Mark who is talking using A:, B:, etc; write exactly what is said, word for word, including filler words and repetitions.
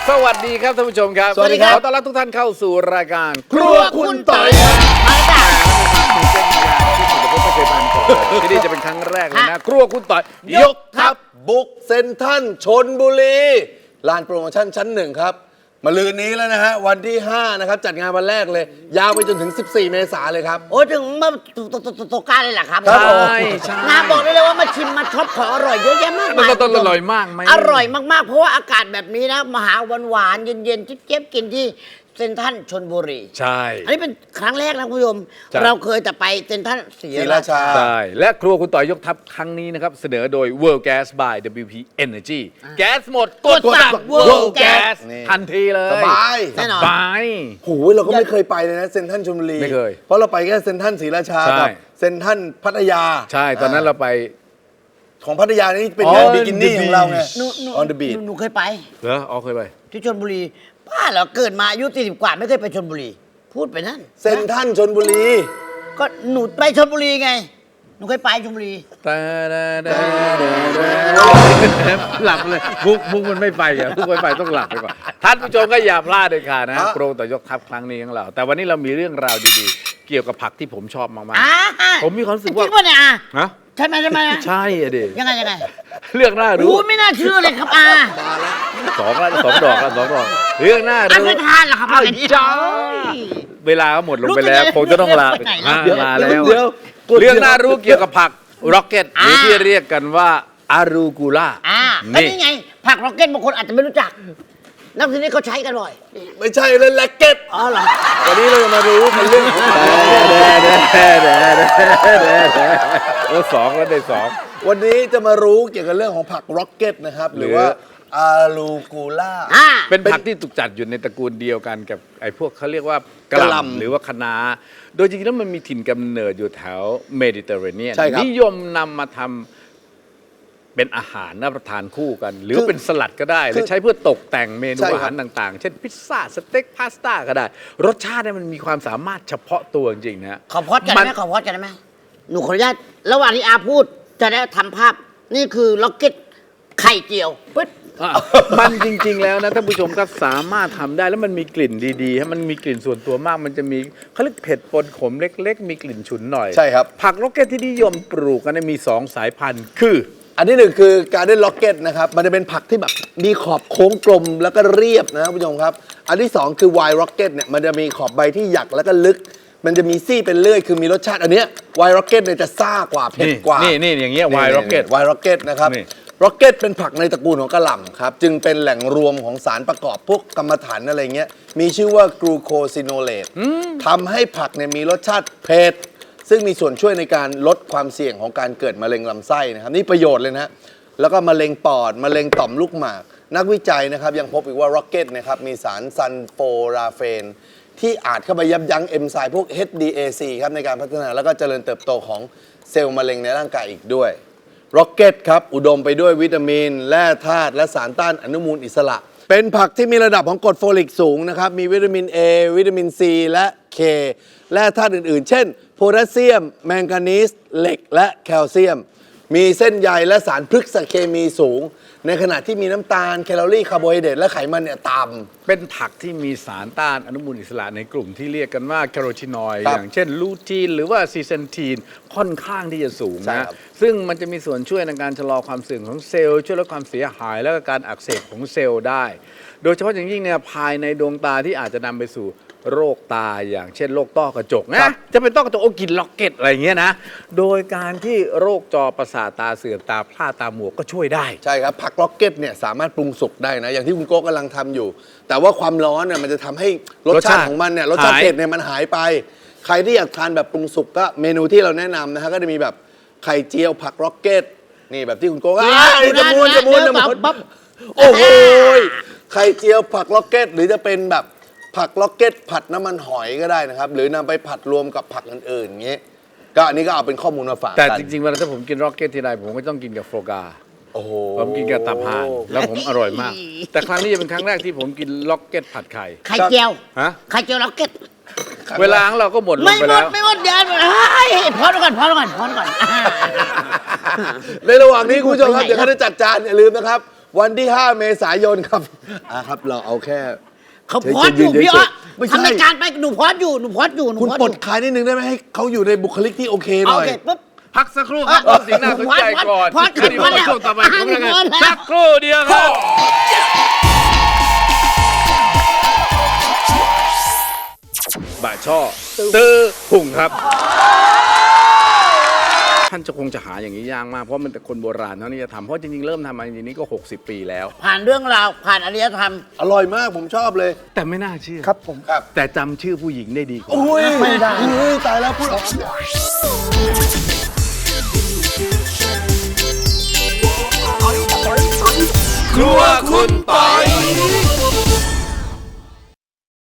A: สวัสดีครับท่านผู้ชมครับ
B: สวัสดีครับ
A: ขอต้อนรับทุกท่านเข้าสู่รายการ
B: ครัวคุณต่อยครับ
A: มาจ้าตื่นเต้นอย่างที่ผมไม่เคยผ่านก่อนที่นี่จะเป็นครั้งแรกเลยนะครัวคุณต่อยยกทัพ
B: บุกเซ็นทรัลชลบุรีลานโปรโมชั่นชั้นหนึ่งครับมาลืนนี้แล้วนะฮะวันที่ห้านะครับจัดงานวันแรกเลยยาวไปจนถึงสิบสี่เมษายนเลยครับ
C: โอ้ถึงเมื่อตกการเลยเหรอครับ
B: ครับ
A: ใช่ใช่
C: น้าบอกได้เลยว่ามาชิมมาช็อปของอร่อยเยอะแยะมาก
A: มัน
C: มาย
A: ก็ต้องอร่อยมากไหม
C: อร่อยมากๆเพราะว่าอากาศแบบนี้นะมาหาหวานๆเย็นๆเจี๊ยบๆกินที่เซ็นทรัลชลบุรี
A: ใช่
C: อันนี้เป็นครั้งแรกนะคุณผู้ชม
A: ใช่
C: เราเคยแต่ไปเซ็นทรัลศรี
B: ศรี
C: รา
B: รา
C: ชา
B: ชา
A: ใช่และครัวคุณต่อยยกทัพครั้งนี้นะครับเสนอโดย World Gas by ดับเบิลยู พี Energy แก๊สหมดกดสั่ง World Gas
B: นี่
A: ทันทีเลย
B: สบาย
C: แน่นอน
A: สบาย
B: โหเราก็ไม่เคยไปเลยนะเซ็นทรัลชลบุรี
A: ไม่เคย
B: เพราะเราไปแค่เซ็นทรัลศรีราชา
A: ใช่
B: กับเซ็นทรัลพัทยา
A: ใช่ตอนนั้นเราไป
B: ของพัทยานี่เป็น
A: On
B: งาน
A: the
B: บิกินี่ของเราไง
C: หนูหนู
B: on the beach
C: หนูหนูเคยไป
A: เหรออ๋อเคยไป
C: ที่ชลบุรีป้าเหรอเกิดมาอายุสี่สิบกว่าไม่เคยไปชลบุรี พูดไปนั่น
B: เซ็นทรัลชลบุรี
C: ก็หนูไปชลบุรีไงหนูเคยไปชลบุรี
A: ตาดาดาดาดาหลับเลยมุกมุกมันไม่ไปอ่ะมุกไม่ไปต้องหลับไปก่อนท่านผู้ชมก็อย่าพลาดเลยค่ะนะ
B: ฮะ
A: โปรต่อยกทัพครั้งนี้ของเรา แต่วันนี้เรามีเรื่องราวดีๆ เกี่ยวกับผักที่ผมชอบมาก
C: อ่า
A: ๆ ผมมีความรู้สึกว่า
C: จริงป่ะเนี่ยอ่ะ
A: ฮะ
C: ใช่ไหมใช่ไหมนะ
A: ใช่อะดิ
C: ยังไงยังไง
A: เรื่องน่ารู้
C: อู้ไม่น่าเชื่อเลยครับอา
A: สองแล้วสองดอกแล้วสองดอกเรื่องน่า
C: อา
A: รู้
C: ไม่ทานเหรอครับ
A: อ้าว
C: อันนี้
A: จ้าเวลาก็หมดลงไปแล้ว
C: รู้จะ
A: คงจะต้องลา
C: ไปไหน
A: อ่า
C: เดี๋ยว
A: ลาแล้ว
B: เดี๋ยว
A: เรื่องน่ารู้เกี่ยวกับผักร็อกเก็ตหรือที่เรียกกันว่าอารูกูล่า
C: อ่าแล้วนี่ไง ผักร็อกเก็ตบางคนอาจจะไม่รู้จัก นักทีนี้เขาใช้กันบ่อย
B: ไม่ใช่เลยแล็กเก็ต
C: อ๋อเหรอ
B: วันนี้เราจะมารู้กันเรื่องของผัก
A: โอ้สองแล้วได้สอง
B: วันนี้จะมารู้เกี่ยวกับเรื่องของผักร็อกเก็ตนะครับ หรือว่าอาลูกูล่า
C: อ่า
A: เป็นผักที่ถูกจัดอยู่ในตระกูลเดียวกันกับไอ้พวกเขาเรียกว่ากะ
B: กะ
A: ห
B: หล่ำ
A: ล่ำหรือว่าคะน้าโดยจริงๆแล้วมันมีถิ่นกำเนิดอยู่แถวเมดิเตอร์เรเนียน
B: ใช่ครับ
A: นิยมนำมาทำเป็นอาหารรับประทานคู่กัน หรือ
B: คือ
A: เป็นสลัดก็ได้ ห
B: คื
A: รือ
B: อ
A: ใช้เพื่อตกแต่งเมนู
B: ใช่ครับ
A: อาหารต่างๆ เช่นพิซซ่าสเต็กพาสต้าก็ได้ รสชาติเนี่ยมันมีความสามารถเฉพาะตัวจริงๆนะ
C: ขอพอดกันได้ไหมขอพอดกันได้ไหมหนูขออนุญาตระหว่างที่อาพูดจะได้ทำภาพ นี่คือล็อกเก็ตไข่เจียวปึ๊ด
A: อ่ะมันจริงๆแล้วนะท่านผู้ชมครับสามารถทำได้แล้วมันมีกลิ่นดีๆฮะมันมีกลิ่นส่วนตัวมาก มันจะมีเขาเรียกเผ็ดปนขมเล็ก ๆ มีกลิ่นฉุนหน่อย
B: ใช่ครับ
A: ผักโรกเก็ตที่นิยมปลูกกันเนยมีสองสายพันธุ์คือ
B: อันที่หนึ่งคือการเด้นล็อกเก็ตนะครับ มันจะเป็นผักที่แบบมีขอบโค้งกลมแล้วก็เรียบนะครับผู้ชมครับ อันที่สองคือไวน์ร็อกเก็ตเนี่ยมันจะมีขอบใบที่หยักแล้วก็ลึก มันจะมีซี่เป็นเลื่อยคือมีรสชาติอันเนี้ยไวน์ร็อกเก็ตเนี่ยจะซ่ากว่าเผ็ดกว่า
A: นี่นี่อย่างเงี้ยไวน์ร็อกเก็ต
B: ไวน์ร็อกเก็ตนะครับ
A: นี่
B: ร็อกเก็ตเป็นผักในตระกูลของกะหล่ำครับ จึงเป็นแหล่งรวมของสารประกอบพวกกรรมฐานอะไรเงี้ย มีชื่อว่ากลูโคซิโนเลตทำให้ผักเนี่ยมีรสชาติเผ็ด ซึ่งมีส่วนช่วยในการลดความเสี่ยงของการเกิดมะเร็งลำไส้นะครับ นี่ประโยชน์เลยนะ แล้วก็มะเร็งปอด มะเร็งต่อมลูกหมาก นักวิจัยนะครับยังพบอีกว่าร็อกเก็ตนะครับมีสารซันโฟราเฟน ที่อาจเข้าไปยับยั้งเอนไซม์พวก เอช ดี เอ ซี ครับในการพัฒนาแล้วก็เจริญเติบโตของเซลล์มะเร็งในร่างกายอีกด้วย ร็อกเก็ตครับ อุดมไปด้วยวิตามิน แร่ธาตุและสารต้านอนุมูลอิสระ เป็นผักที่มีระดับของกรดโฟลิกสูงนะครับ มีวิตามิน A วิตามิน C และ K แร่ธาตุอื่นๆ เช่น โพแทสเซียม แมงกานีส เหล็ก และแคลเซียม มีเส้นใยและสารพฤกษเคมีสูง ในขณะที่มีน้ำตาล แคลอรี่ คาร์โบไฮเดรตและไขมันเนี่ยต่ำ
A: เป็นผักที่มีสารต้านอนุมูลอิสระในกลุ่มที่เรียกกันว่าแคโรทีนอยด์
B: ครับ
A: อย่างเช่นลูทีนหรือว่าซีเซนทีนค่อนข้างที่จะสูง
B: ใช่
A: นะครับ ซึ่งมันจะมีส่วนช่วยในการชะลอความเสื่อมของเซลล์ ช่วยลดความเสียหาย และก็การอักเสบของเซลล์ได้ โดยเฉพาะอย่างยิ่งเนี่ยภายในดวงตาที่อาจจะนำไปสู่โรคตาอย่างเช่นโรคต้อกระจก
B: ครั
A: นะ
B: บ
A: จะเป็นต้อกระจกโอ้กินล็อกเก็ตอะไรอย่างเงี้ยนะโดยการที่โรคจอประสาทตาเสื่อมตาพร่าตาหมวกก็ช่วยได้
B: ใช่ครับ ผักร็อกเก็ตเนี่ยสามารถปรุงสุกได้นะ อย่างที่คุณโก้กำลังทำอยู่ แต่ว่าความร้อนเนี่ยมันจะทำให้รส
A: รส
B: ชา
A: ชาติ
B: ติของมันเนี่ยรสชาติ
A: หาย
B: เผ็ดเนี่ยมันหายไป ใครที่อยากทานแบบปรุงสุกก็เมนูที่เราแนะนำนะฮะก็จะมีแบบไข่เจียวผักร็อกเก็ตนี่แบบที่คุณโก้อ้ายจะมูนจะมูนจะมูน
C: ปั๊บ
B: โอ้โหไข่เจียวผักร็อกเก็ตหรือจะเป็นแบบผักร็อกเก็ตผัดน้ำมันหอยก็ได้นะครับ หรือนำไปผัดรวมกับผักอื่นๆอย่างเงี้ยก็อันนี้ก็เอาเป็นข้อมูลมาฝาก
A: แต่
B: กัน
A: จริงๆเวลาถ้าผมกินร็อกเก็ตทีไรผมก็ต้องกินกับโฟกา
B: โอ้โห
A: ผมกินกับตับห่านแล้วผมอร่อยมาก แต่ครั้งนี้จะเป็นครั้งแรกที่ผมกินล็อกเก็ตผัดไข่
C: ไข่เจียว
A: ฮะ
C: ไข่เจียวล็อกเก็ต
A: เวลาของเราก็หมดล
C: ไม่
A: ง
C: ห
A: ไป
C: ม
A: แล้
C: ด
A: ว
C: ไม่หมดเดี๋ยวเฮ้ยพอดก่อนพอดก่อนพอดก่อน
B: ในระหว่างนี้คุณผู้ชมครับเดี๋ยวเขาจะจัดจานอย่าลืมนะครับวันที่ ห้า เมษายนครับอ่ะครับ เราเอาแค่
C: เขาพอดอยู่
B: เฉยๆ
C: พี่อ้อ
B: ไม่ใช่
C: ทำรายการไปหนูพอดอยู่หนูพอดอยู่หนู
B: คุณ
C: พอด
B: ปล
C: อ
B: ด
C: ยู่
B: คลายนิดนึงได้ไหมให้เขาอยู่ในบุคลิกที่โอเคห
C: โอ
B: น่อย
C: เคปุ๊บ
A: พักสักครู่ครับเอาสิ่งน่าสนใจก่อน
C: พอดพอด
A: เดี๋ยว
C: พอดแล้ว
A: ช่วงต่อไปของรายการ
C: พอดแล้ว
A: สักครู่เดียวครับ บ่าช่อตื้อหุ่งครับ ท่านจะคงจะหาอย่างนี้ยากมากเพราะมันแต่คนโบราณเท่านี้จะทำเพราะจริงๆ เริ่มทำมาจริงๆนี่ก็ หกสิบ ปีแล้ว
C: ผ่านเรื่องราวผ่านอารยธรรม
B: อร่อยมากผมชอบเลย
A: แต่ไม่น่าเชื่อ
B: ครับผมครับ
A: แต่จำชื่อผู้หญิงได้ดีกว่า
B: อุ้ยไม่ได้อุ้ยตายแล้วพูดออก
A: ครัวคุณปอย